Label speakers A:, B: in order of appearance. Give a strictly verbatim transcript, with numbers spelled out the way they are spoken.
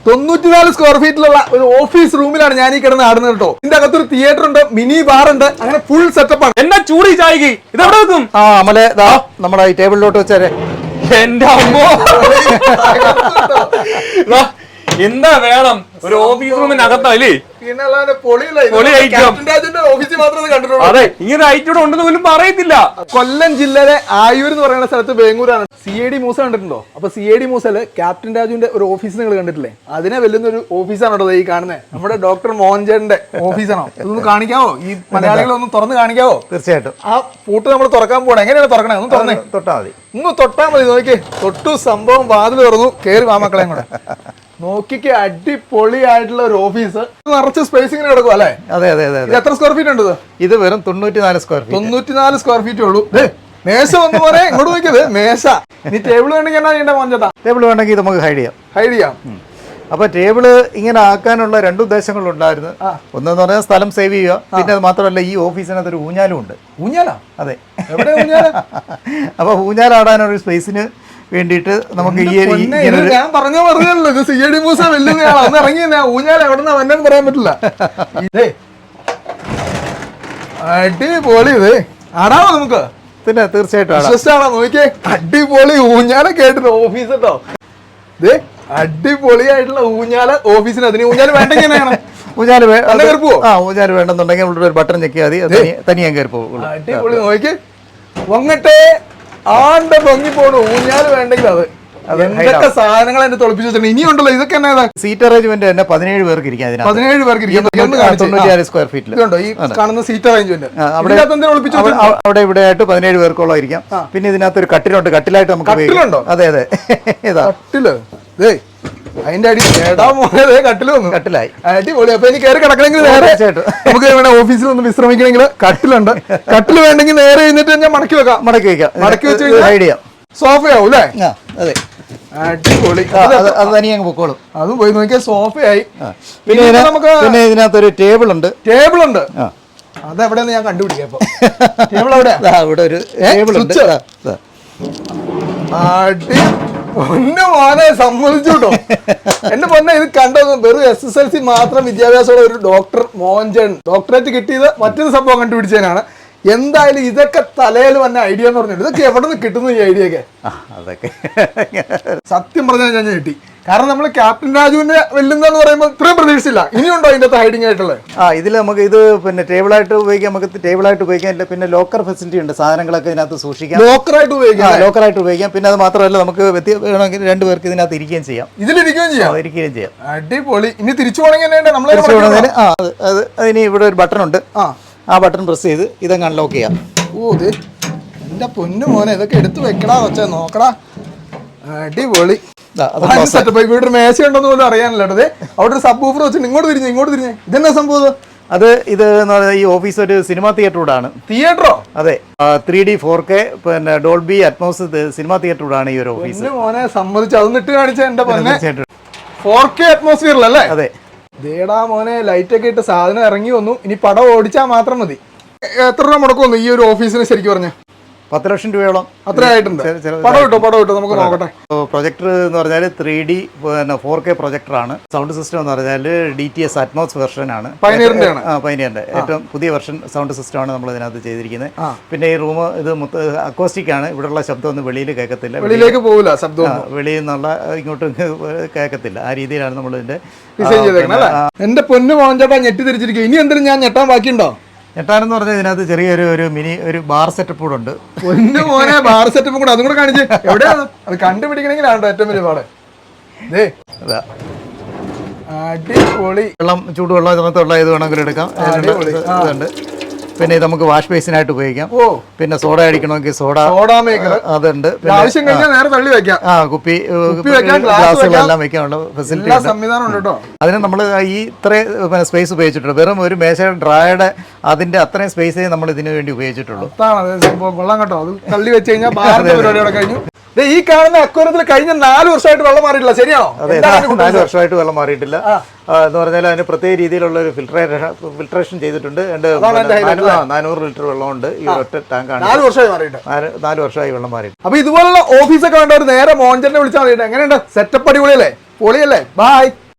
A: തൊണ്ണൂറ്റിനാല് സ്ക്വയർ ഫീറ്റിലുള്ള ഒരു ഓഫീസ് റൂമിലാണ് ഞാൻ ഈ കിടന്ന് ആടുന്നത് കേട്ടോ. ഇതിന്റെ അകത്തൊരു തിയേറ്റർ ഉണ്ട്, മിനി ബാർ ഉണ്ട്, അങ്ങനെ ഫുൾ സെറ്റപ്പ് ആണ്.
B: എന്നാ ചൂടി ചായക്ക് ഇതെവിടെ വെക്കും?
C: ആ അമലെ ദാ നമ്മുടെ ഈ ടേബിളിലോട്ട് വെച്ചേരെ.
B: എന്റെ അമ്മോ, എന്താ വേണം ഒരു ഓഫീസ് റൂമിനകത്തല്ലേ? അതെ, ഇങ്ങനെ ഐറ്റൂടെ ഉണ്ടെന്ന് പോലും പറയത്തില്ല.
A: കൊല്ലം ജില്ലയിലെ ആയൂർ എന്ന് പറയുന്ന സ്ഥലത്ത് വേങ്ങൂരാണ്. സി എ ഡി മൂസ കണ്ടിട്ടുണ്ടോ? അപ്പൊ സി എ ഡി മൂസയില് ക്യാപ്റ്റൻ രാജുവിന്റെ ഒരു ഓഫീസ് നിങ്ങൾ കണ്ടിട്ടില്ലേ? അതിനെ വെല്ലുന്ന ഒരു ഓഫീസാണ് കേട്ടോ ഈ കാണുന്നത്. നമ്മുടെ ഡോക്ടർ മോഹൻജന്റെ ഓഫീസാണോ? ഇതൊന്ന് കാണിക്കാവോ? ഈ മലയാളികളെ ഒന്ന് തുറന്ന് കാണിക്കാവോ?
C: തീർച്ചയായിട്ടും.
A: ആ പൂട്ട് നമ്മൾ തുറക്കാൻ പോകണം. എങ്ങനെയാണ് തുറക്കണേ? ഒന്ന് തുറന്നേ.
C: തൊട്ടാ മതി.
A: ഒന്ന് തൊട്ടാ മതി. നോക്കിയേ, തൊട്ടു സംഭവം വാതിൽ തുറന്നു. കേറി വാ മക്കളെയും കൂടെ. നോക്കിക്ക്, അടിപൊളിയായിട്ടുള്ള ഒരു ഓഫീസ്. നിറച്ച് സ്പേസിങ്ങിന് കിടക്കും അല്ലേ?
C: അതെ അതെ അതെ.
A: ഇത് എത്ര സ്ക്വയർ ഫീറ്റ് ഉണ്ട്?
C: ഇത് വെറും തൊണ്ണൂറ്റിനാല് സ്ക്വയർ ഫീറ്റ്.
A: തൊണ്ണൂറ്റിനാല് സ്ക്വയർ ഫീറ്റ് ഉള്ളൂ. മേശ വന്നു പോലെ ഇങ്ങോട്ട് നോക്കിയത് മേശ. ഇനി ടേബിൾ വേണമെങ്കിൽ എന്നാ ചെയ്യേണ്ട മോഞ്ചേട്ടാ?
C: ടേബിൾ വേണമെങ്കിൽ നമുക്ക് ഹൈഡ് ചെയ്യാം.
A: ഹൈഡ് ചെയ്യാം.
C: അപ്പൊ ടേബിള് ഇങ്ങനെ ആക്കാനുള്ള രണ്ട് ഉദ്ദേശങ്ങളുണ്ടായിരുന്നു. ഒന്നെന്ന് പറഞ്ഞാൽ സ്ഥലം സേവ് ചെയ്യുക, പിന്നെ അത് മാത്രമല്ല ഈ ഓഫീസിനകത്ത് ഒരു ഊഞ്ഞാലും ഉണ്ട്.
A: ഊഞ്ഞാലാ?
C: അതെ.
A: അപ്പൊ
C: ഊഞ്ഞാലാടാനൊരു സ്പേസിന് വേണ്ടിയിട്ട് നമുക്ക് ഈ
A: ഞാൻ പറഞ്ഞ പറഞ്ഞല്ലോ, ഇത് സി എ ഡി മൂസ വെല്ലുന്നയാളാ. ഒന്ന് ഇറങ്ങി ഊഞ്ഞാൽ എവിടെന്നാ വന്നെന്ന് പറയാൻ പറ്റില്ല. അടിപൊളി. ഇത് ആടാമോ നമുക്ക്?
C: പിന്നെ തീർച്ചയായിട്ടും
A: ആണോ? നോക്കിയേ, അടിപൊളി ഊഞ്ഞാലൊക്കെ ആയിട്ടുള്ള ഓഫീസ് കേട്ടോ. ഇത് അടിപൊളിയായിട്ടുള്ള ഊഞ്ഞാല ഓഫീസിന്. അതിന് ഊഞ്ഞാല് വേണ്ടെങ്കിൽ എങ്ങനെയാണ്?
C: ഊഞ്ഞാല്
A: കയറിപ്പോ?
C: ആ ഊഞ്ഞാല് വേണ്ടെന്നുണ്ടെങ്കിൽ നമ്മുടെ ഒരു ബട്ടൺ ഞെക്കിയാൽ മതി, തനിയാൻ കയറി പോകും.
A: അടിപൊളി. നോക്കിയേ, വങ്ങട്ടെ ആണ്ട് പൊങ്ങി പോണു. ഊഞ്ഞാല് വേണ്ടെങ്കിൽ അത് എന്തൊക്കെ സാധനങ്ങൾ എന്നെ തൊളിപ്പിച്ചു വെച്ചിട്ടുണ്ട്. ഇനിയുണ്ടല്ലോ ഇതൊക്കെ എന്നാ?
C: സീറ്റ് അറേഞ്ച്മെന്റ് തന്നെ പതിനേഴ് പേർക്ക് ഇരിക്കാം.
A: പതിനേഴ് പേർക്ക് ഇരിക്കാം.
C: തൊണ്ണൂറ്റിയാറ് സ്ക്വയർ ഫീറ്റിൽ
A: ഉണ്ടോ ഈ കാണുന്ന സീറ്റ് അറേഞ്ച്മെന്റ്?
C: അവിടെ ഇവിടെ ആയിട്ട് പതിനേഴ് പേർക്കോളം ഇരിക്കാം. പിന്നെ ഇതിനകത്ത് ഒരു കട്ടിലുണ്ട്. കട്ടിലായിട്ട് നമുക്ക്
A: കട്ടിലുണ്ടോ?
C: അതെ അതെ.
A: കട്ടില് അതിന്റെ അടി ഏടാ മോനെ, കട്ടില് വന്നു.
C: കട്ടിലായി.
A: അടിപൊളി. അപ്പൊ എനിക്ക് കയറി കിടക്കണമെങ്കിൽ നേരെ നമുക്ക് ഇവിടെ ഓഫീസിൽ ഒന്ന് വിശ്രമിക്കണമെങ്കിൽ കട്ടിലുണ്ട്. കട്ടില് വേണ്ടെങ്കിൽ നേരെ കഴിഞ്ഞിട്ട് ഞാൻ മടക്കി വെക്കാം.
C: മടക്കി വെക്കാം.
A: മടക്കി വെച്ച്
C: ഹൈഡ് ചെയ്യാം.
A: സോഫയാവും അല്ലേ?
C: അതെ.
A: അടിപൊളി.
C: അത് തനിയെ അങ്ങ് പൊക്കോളും.
A: അതും പോയി നോക്കിയാൽ സോഫയായി.
C: പിന്നെ നമുക്ക് പിന്നെ ഇതിനകത്തൊരു ടേബിൾ ഉണ്ട്.
A: ടേബിൾ ഉണ്ട്. അതെവിടെയെന്ന് ഞാൻ കണ്ടുപിടിക്കാം. ഇപ്പൊ ടേബിൾ എവിടെയാ?
C: ഇവിടെ ഒരു ടേബിൾ ഉണ്ട്.
A: അടി പൊന്നു മോനെ, സമ്മതിച്ചു കേട്ടോ. എന്റെ പൊന്നെ, ഇത് കണ്ടത് വെറും എസ് എസ് എൽ സി മാത്രം വിദ്യാഭ്യാസമുള്ള ഒരു ഡോക്ടർ മോഹൻജൻ ഡോക്ടറേറ്റ് കിട്ടിയത് മറ്റൊരു സംഭവം കണ്ടുപിടിച്ചതിനാണ്. എന്തായാലും ഇതൊക്കെ തലയിൽ വന്ന ഐഡിയ എന്ന് പറഞ്ഞിട്ട് ഇതൊക്കെ എവിടെ നിന്ന് കിട്ടുന്നു ഈ ഐഡിയ ഒക്കെ?
C: അതൊക്കെ
A: സത്യം പറഞ്ഞാൽ ഞാൻ കിട്ടി. കാരണം നമ്മൾ ക്യാപ്റ്റൻ രാജുവിന്റെ വെല്ലുന്നെന്ന് പറയുമ്പോൾ ഇത്രയും പ്രതീക്ഷിച്ചില്ല. ഇനിയുണ്ടോ അതിന്റെ അകത്ത് ഹൈഡിങ് ആയിട്ടുള്ളത്?
C: ആ ഇതിൽ നമുക്ക് ഇത് പിന്നെ ടേബിളായിട്ട് ഉപയോഗിക്കാം. നമുക്ക് ടേബിളായിട്ട് ഉപയോഗിക്കാം. പിന്നെ ലോക്കർ ഫെസിലിറ്റി ഉണ്ട്. സാധനങ്ങളൊക്കെ ഇതിനകത്ത് സൂക്ഷിക്കാം.
A: ലോക്കറായിട്ട് ഉപയോഗിക്കാം.
C: ലോക്കറായിട്ട് ഉപയോഗിക്കാം. പിന്നെ അത് മാത്രമല്ല, നമുക്ക് വേണമെങ്കിൽ രണ്ടു പേർക്ക് ഇതിനകത്ത് ഇരിക്കുകയും ചെയ്യാം.
A: ഇതിലിരിക്കുകയും ചെയ്യാം.
C: ഇരിക്കുകയും ചെയ്യാം.
A: അടിപൊളി. ഇനി തിരിച്ചു പോകണമെങ്കിൽ നമ്മൾ
C: ആ അത് അതിന് ഇവിടെ ഒരു ബട്ടൺ ഉണ്ട്. ആ ബട്ടൺ പ്രസ് ചെയ്ത് ഇതങ്ങ് അൺലോക്ക് ചെയ്യാം.
A: ഓ ഇത് എന്റെ പൊന്നു മോനെ, ഇതൊക്കെ എടുത്തു വെക്കടാ വെച്ചാ നോക്കടാ. അടിപൊളി. ഇവിടെ ഒരു മേശ ഉണ്ടെന്ന് പോലും അറിയാനല്ലോ. അവിടെ ഒരു സബ് വൂഫർ വെച്ചിട്ട് ഇങ്ങോട്ട് തിരിഞ്ഞു ഇങ്ങോട്ട് തിരിഞ്ഞേ. ഇതെന്നാ സംഭവം?
C: അത് ഇത് ഈ ഓഫീസ് ഒരു സിനിമാ തിയേറ്ററോടാണ്.
A: തിയേറ്ററോ?
C: അതെ. ത്രീ ഡി ഫോർ കെ പിന്നെ ഡോൾബി അറ്റ്മോസ് സിനിമാ തിയേറ്ററോടാണ് ഈ ഒരു ഓഫീസ്.
A: മോനെ സമ്മതിച്ചു. അതൊന്ന് ഇട്ട് കാണിച്ച എന്റെ പൊന്നെ. ഫോർ കെ അറ്റ്മോസ്ഫിയറിലല്ലേ?
C: അതെ. ദേടാ
A: മോനെ, ലൈറ്റ് ഒക്കെ ഇട്ട് സാധനം ഇറങ്ങി വന്നു. ഇനി പടം ഓടിച്ചാൽ മാത്രം മതി. എത്ര രൂപ മുടക്കം വന്നു ഈ ഒരു ഓഫീസിന് ശരിക്കും പറഞ്ഞ?
C: പത്ത് ലക്ഷം രൂപയോളം
A: അത്ര ആയിട്ടുണ്ട്. പടം കിട്ടോ? പടം കിട്ടോ? നമുക്ക് നോക്കട്ടെ.
C: പ്രൊജക്ടർ എന്ന് പറഞ്ഞാൽ ത്രീ ഡി പിന്നെ ഫോർ കെ പ്രൊജക്ടറാണ്. സൗണ്ട് സിസ്റ്റം എന്ന് പറഞ്ഞാൽ D T S Atmos version ആണ്.
A: പൈനിയറിന്റെ ആണ്.
C: ആ പൈനിയറിന്റെ ഏറ്റവും പുതിയ വെർഷൻ സൗണ്ട് സിസ്റ്റം ആണ് നമ്മൾ ഇതിനകത്ത് ചെയ്തിരിക്കുന്നത്. പിന്നെ ഈ റൂം ഇത് അക്കോസ്റ്റിക് ആണ്. ഇവിടെയുള്ള ശബ്ദം ഒന്നും വെളിയിൽ കേൾക്കത്തില്ല.
A: വെളിയിലേക്ക് പോകില്ല ശബ്ദം.
C: വെളിയിൽ നിന്നുള്ള ഇങ്ങോട്ട് കേൾക്കത്തില്ല. ആ രീതിയിലാണ് നമ്മൾ ഇതിന്റെ
A: ഡിസൈൻ ചെയ്തേക്കുന്നത്. എന്റെ പൊന്നു മോഹൻചേട്ടാ, ഞെട്ടി തിരിച്ചിരിക്കും. ഇനി എന്തെങ്കിലും ഞാൻ ഞെട്ടാൻ ബാക്കിയുണ്ടോ?
C: ഞെട്ടാനെന്ന് പറഞ്ഞാൽ ഇതിനകത്ത് ചെറിയൊരു ഒരു മിനി ഒരു ബാർ സെറ്റപ്പ് കൂടെ ഉണ്ട്.
A: പൊന്നു മോനെ, ബാർ സെറ്റപ്പ് കൂടെ അതും കൂടെ കാണിച്ച്. എവിടെയാണ് അത് കണ്ടുപിടിക്കണമെങ്കിലാണോ ഏറ്റവും വലിയ പാട്? അടിപൊളി.
C: വെള്ളം ചൂടുവെള്ളം ഇതിനകത്തുള്ള ഇത് വേണമെങ്കിലും എടുക്കാം. ഇതുണ്ട്. പിന്നെ ഇത് നമുക്ക് വാഷ് ബേസിനായിട്ട് ഉപയോഗിക്കാം.
A: ഓ
C: പിന്നെ സോഡ അടിക്കണമെങ്കിൽ സോഡ
A: സോഡാ മേക്കർ
C: അതുണ്ട്.
A: ആവശ്യം കഴിഞ്ഞാൽ നേരെ തള്ളി വെക്കാം.
C: ആ കുപ്പി ഗ്ലാസുകളെല്ലാം വെക്കാനുള്ള ഫെസിലിറ്റി
A: സംവിധാനം ഉണ്ട് കേട്ടോ.
C: അതിന് നമ്മൾ ഈ ഇത്രയും പിന്നെ സ്പേസ് ഉപയോഗിച്ചിട്ടുണ്ട്. വെറും ഒരു മേശ ഡ്രായുടെ അതിന്റെ അത്രയും സ്പേസേ നമ്മൾ ഇതിനു വേണ്ടി ഉപയോഗിച്ചിട്ടുള്ളൂ.
A: കൊള്ളാം കേട്ടോ. അത് തള്ളി വെച്ച് കഴിഞ്ഞാൽ പരിപാടിയോടെ കഴിഞ്ഞു. ഈ കാണുന്ന അക്വരത്തിൽ കഴിഞ്ഞ നാല് വർഷമായിട്ട് വെള്ളം മാറിയിട്ടില്ല. ശരിയാണോ?
C: അതെ, നാല് വർഷമായിട്ട് വെള്ളം മാറിയിട്ടില്ല എന്ന് പറഞ്ഞാൽ അതിന് പ്രത്യേക രീതിയിലുള്ള ഒരു ഫിൽട്രേഷൻ ഫിൽട്രേഷൻ ചെയ്തിട്ടുണ്ട്. നാനൂറ് ലിറ്റർ വെള്ളമുണ്ട് ഈ ഒറ്റ ടാങ്കാണ്.
A: നാല് വർഷമായി മാറിയിട്ട്
C: നാല് വർഷമായി വെള്ളം മാറിയിട്ട്.
A: അപ്പൊ ഇതുപോലുള്ള ഓഫീസൊക്കെ വേണ്ട ഒരു നേരെ മോഹൻചേട്ടനെ വിളിച്ചാൽ മതി. എങ്ങനെയുണ്ട്? സെറ്റപ്പ് അടിപൊളിയല്ലേ? പൊളിയല്ലേ? ബൈ.